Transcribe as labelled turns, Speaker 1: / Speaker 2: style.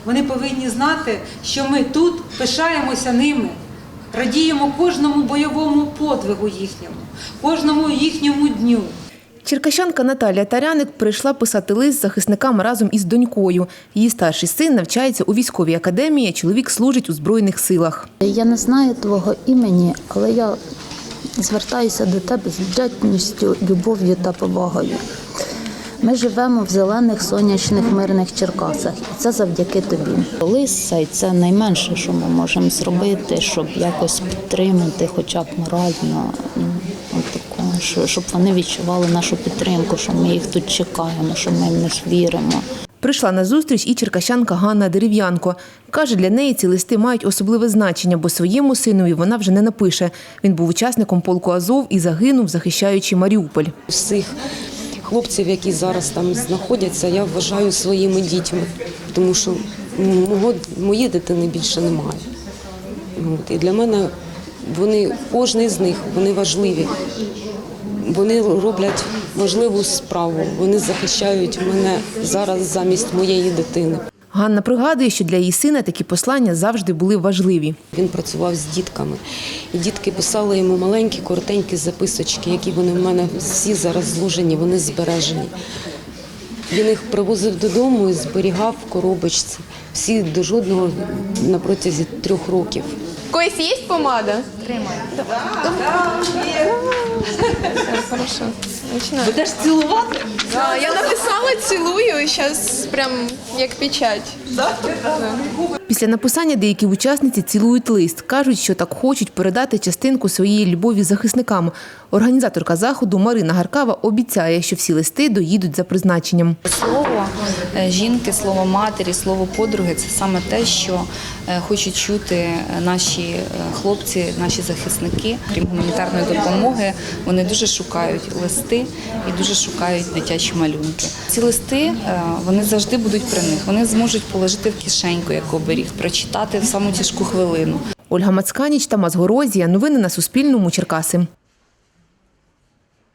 Speaker 1: Вони повинні знати, що ми тут пишаємося ними, радіємо кожному бойовому подвигу їхньому, кожному їхньому дню.
Speaker 2: Черкащанка Наталія Таряник прийшла писати лист захисникам разом із донькою. Її старший син навчається у військовій академії, а чоловік служить у Збройних силах.
Speaker 3: Я не знаю твого імені, але я звертаюся до тебе з вдячністю, любов'ю та повагою. Ми живемо в зелених, сонячних, мирних Черкасах, і це завдяки тобі. Лист – це найменше, що ми можемо зробити, щоб якось підтримати, хоча б морально, щоб вони відчували нашу підтримку, що ми їх тут чекаємо, що ми в них віримо.
Speaker 2: Прийшла на зустріч і черкащанка Ганна Дерев'янко. Каже, для неї ці листи мають особливе значення, бо своєму синові вона вже не напише. Він був учасником полку «Азов» і загинув, захищаючи Маріуполь.
Speaker 4: Всіх хлопців, які зараз там знаходяться, я вважаю своїми дітьми, тому що моєї дитини більше немає. І для мене кожен з них, вони важливі. Вони роблять важливу справу, вони захищають мене зараз замість моєї дитини.
Speaker 2: Ганна пригадує, що для її сина такі послання завжди були важливі.
Speaker 4: Він працював з дітками, і дітки писали йому маленькі, коротенькі записочки, які вони в мене всі зараз зложені, вони збережені. Він їх привозив додому і зберігав в коробочці. Всі до жодного на протязі 3 років.
Speaker 5: Когось є помада? Тримай. Хорошо.
Speaker 2: Будеш цілувати?
Speaker 5: Я написала «цілую» і зараз прям як печать.
Speaker 2: Після написання деякі учасниці цілують лист. Кажуть, що так хочуть передати частинку своєї любові захисникам. Організаторка заходу Марина Гаркава обіцяє, що всі листи доїдуть за призначенням.
Speaker 6: Слово жінки, слово матері, слово подруги – це саме те, що хочуть чути наші хлопці, наші захисники. Крім гуманітарної допомоги, вони дуже шукають листи і дуже шукають дитячі малюнки. Ці листи, вони завжди будуть при них. Вони зможуть положити в кишеньку, як оберіг, прочитати в саму тяжку хвилину.
Speaker 2: Ольга Мацканіч, Тамас Горозія. Новини на Суспільному. Черкаси.